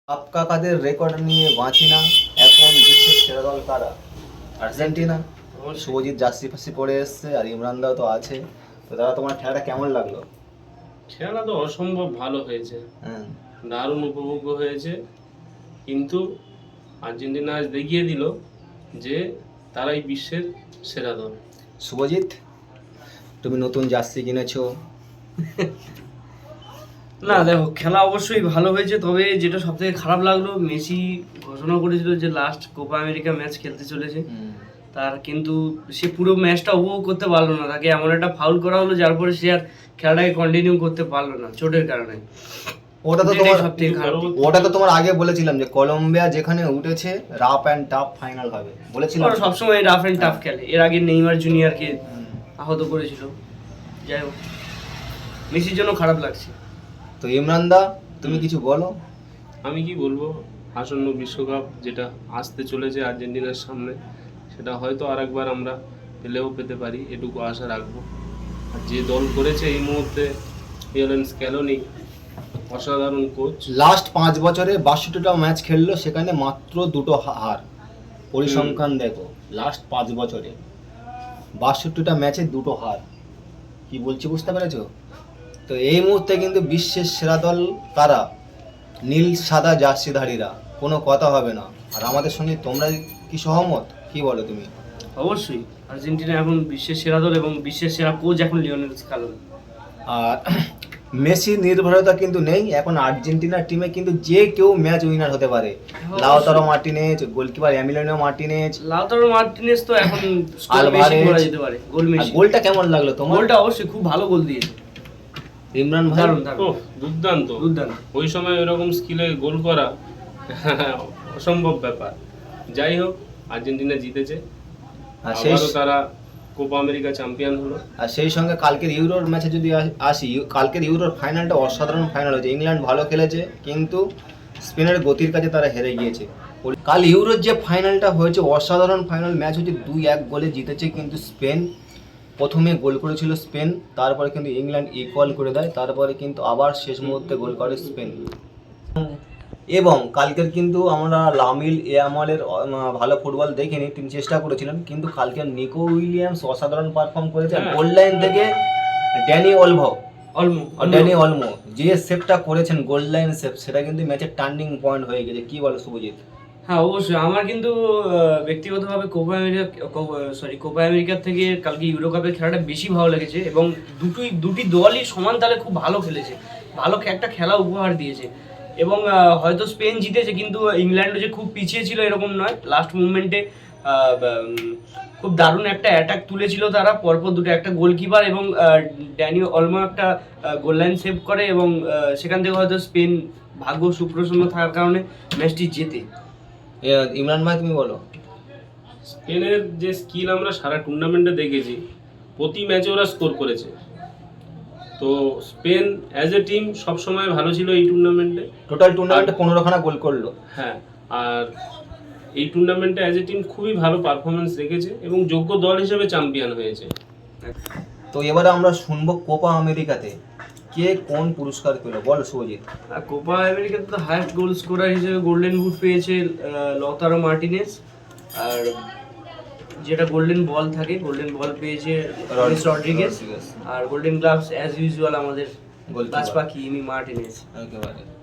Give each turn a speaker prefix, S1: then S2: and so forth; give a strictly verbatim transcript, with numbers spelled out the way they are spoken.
S1: আপকা কাদের record নিয়ে বাঁচি না, এখন বিশ্বের সেরা দল কারা? আর্জেন্টিনা। শুভজিৎ জার্সি ফার্সি পরে এসছে, আর ইমরানদাও তো আছে। তো দাদা, তোমার খেলাটা কেমন লাগলো?
S2: খেলা তো অসম্ভব ভালো হয়েছে,
S1: হ্যাঁ,
S2: দারুণ উপভোগ্য হয়েছে। কিন্তু আর্জেন্টিনা আজ দেখিয়ে দিল যে তারাই বিশ্বের সেরা দল।
S1: শুভজিৎ, তুমি নতুন জার্সি কিনেছো।
S3: না দেখো, খেলা অবশ্যই ভালো হয়েছে, তবে যেটা সব থেকে খারাপ লাগলো, মেসি ঘোষণা করেছিল যে লাস্ট কোপা আমেরিকা ম্যাচ খেলতে চলেছে, তার কিন্তু সে পুরো ম্যাচটা উপভোগ করতে পারলো না। তাকে এমন একটা ফাউল করা হলো যার পরে সে আর খেলাটাকে কন্টিনিউ করতে পারলো না চোটের কারণে।
S1: ওটা তো তোমার
S3: সব থেকে খারাপ।
S1: ওটা তো তোমার আগে বলেছিলাম যে কলম্বিয়া যেখানে উঠেছে রাফ অ্যান্ড টাফ ফাইনাল হবে বলেছিলাম।
S3: ওরা সবসময় রাফ অ্যান্ড টাফ খেলে। এর আগে নেইমার জুনিয়রকে আহত করেছিল। যাই হোক, মেসির জন্য খারাপ লাগছে।
S1: তো ইমরানদা, তুমি কিছু বলো।
S2: আমি কি বলবো, আসন্ন বিশ্বকাপ যেটা আসতে চলেছে আর্জেন্টিনার সামনে, সেটা হয়তো আরেকবার আমরা পেলেও পেতে পারি, এটুকু আশা রাখবো। আর যে দল করেছে এই মুহূর্তে লিওনেল স্ক্যালোনি, অসাধারণ কোচ।
S1: লাস্ট পাঁচ বছরে বাষট্টিটা ম্যাচ খেললো, সেখানে মাত্র দুটো হার। পরিসংখ্যান দেখো, লাস্ট পাঁচ বছরে বাষট্টিটা ম্যাচে দুটো হার। কি বলছি বুঝতে পেরেছো? তো এই মুহূর্তে কিন্তু বিশ্বের সেরা দল কারা? নীল সাদা জার্সিধারীরা, কোনো কথা হবে না। আর আমাদের সঙ্গে তোমরা কি সহমত? কি বলো তুমি?
S3: অবশ্যই আর্জেন্টিনা এখন বিশ্বের সেরা দল এবং বিশ্বের সেরা কোচ এখন লিওনেল স্ক্যালোনি।
S1: আর মেসি নির্ভরতা কিন্তু নেই এখন আর্জেন্টিনার টিমে, কিন্তু যে কেউ ম্যাচ উইনার হতে পারে। Lautaro Martinez, goalkeeper Emiliano Martinez,
S3: Lautaro Martinez তো এখন স্কোর বেশি
S1: আলভারেজ।
S3: করা যেতে পারে। গোল
S1: আর
S3: মেসি।
S1: গোলটা কেমন লাগলো তোমার?
S3: গোলটা অবশ্যই খুব ভালো গোল দিয়েছে
S1: ইমরান ভাই।
S3: দারুণ দারুণ
S2: ওহ, দুর্দান্ত
S3: দুর্দান্ত।
S2: ওই সময় ওইরকম স্কিলে গোল করা অসম্ভব ব্যাপার। যাই হোক, আর্জেন্টিনা জিতেছে,
S1: আর সেই
S2: আবারও তারা কোপা আমেরিকা চ্যাম্পিয়ন হলো।
S1: আর সেই সঙ্গে কালকের ইউরোর ম্যাচে যদি আ- আসি, কালকের ইউরোর ফাইনালটা অসাধারণ ফাইনাল হয়েছে। ইংল্যান্ড ভালো খেলেছে, কিন্তু স্পেনের গতির কাছে তারা হেরে গিয়েছে। কাল ইউরোর যে ফাইনালটা হয়েছে, অসাধারণ ফাইনাল ম্যাচ হয়েছে, দুই এক গোলে জিতেছে কিন্তু স্পেন। প্রথমে গোল করেছিল স্পেন, তারপরে কিন্তু ইংল্যান্ড ইকুয়াল করে দেয়, তারপরে কিন্তু আবার শেষ মুহূর্তে গোল করে স্পেন। এবং কালকের কিন্তু আমরা লামিল ইয়ামালের আহ, ভালো ফুটবল দেখিনি, তিনি চেষ্টা করেছিলেন, কিন্তু কালকে নিকো উইলিয়ামস অসাধারণ পারফর্ম করেছে।
S2: হ্যাঁ।
S1: গোল লাইন থেকে ড্যানি অলভো
S3: অলমো
S1: ড্যানি অলমো যে সেভটা করেছেন, গোল লাইন সেভ, সেটা কিন্তু ম্যাচের টার্নিং পয়েন্ট হয়ে গেছে। কি বলো শুভজিৎ?
S3: হ্যাঁ অবশ্যই, আমার কিন্তু আহ, ব্যক্তিগতভাবে কোপা আমেরিকা সরি কোপা আমেরিকার থেকে কালকে ইউরো কাপের খেলাটা বেশি ভালো লেগেছে এবং দুটোই দুটি দলই সমান তালে খুব ভালো খেলেছে, ভালো খে- একটা খেলা উপহার দিয়েছে। এবং আহ, হয়তো স্পেন জিতেছে, কিন্তু ইংল্যান্ডও যে খুব পিছিয়ে ছিল এরকম নয়। লাস্ট মুভমেন্টে খুব দারুণ একটা অ্যাটাক তুলেছিল তারা, পরপর দুটো, একটা গোলকিপার এবং আহ, ড্যানি অলমো একটা গোল লাইন সেভ করে এবং আহ, সেখান থেকে হয়তো স্পেন ভাগ্য সুপ্রসন্ন থাকার কারণে ম্যাচটি জেতে।
S1: এ, ইমরান ভাই তুমি বলো।
S2: স্পেনের যে স্কিল আমরা সারা টুর্নামেন্টে দেখেছি, প্রতি ম্যাচে ওরা স্কোর করেছে। তো স্পেন অ্যাজ এ টিম সবসময় ভালো ছিল এই টুর্নামেন্টে।
S1: টোটাল টুর্নামেন্টে পনেরো খানা গোল করলো।
S2: হ্যাঁ, আর এই টুর্নামেন্টে অ্যাজ এ টিম খুবই ভালো পারফরমেন্স রেখেছে এবং যোগ্য দল হিসেবে চ্যাম্পিয়ন হয়েছে।
S1: তো এবারে আমরা শুনবো কোপা আমেরিকাতে কে কোন পুরস্কার পেলো, বল শুভজিৎ।
S3: আর কোপা আমেরিকাতে তো হায়েস্ট গোল স্কোরার হিসেবে গোল্ডেন বুট পেয়েছে লতারো মার্টিনেজ, আর যেটা গোল্ডেন বল থাকে, গোল্ডেন বল পেয়েছে রনিস রড্রিগেজ, আর গোল্ডেন গ্লাভস অ্যাজ ইউজুয়াল আমাদের
S1: গোলকিপার।
S3: গাছ পাখি ইমি মার্টিনেজ।
S1: একেবারে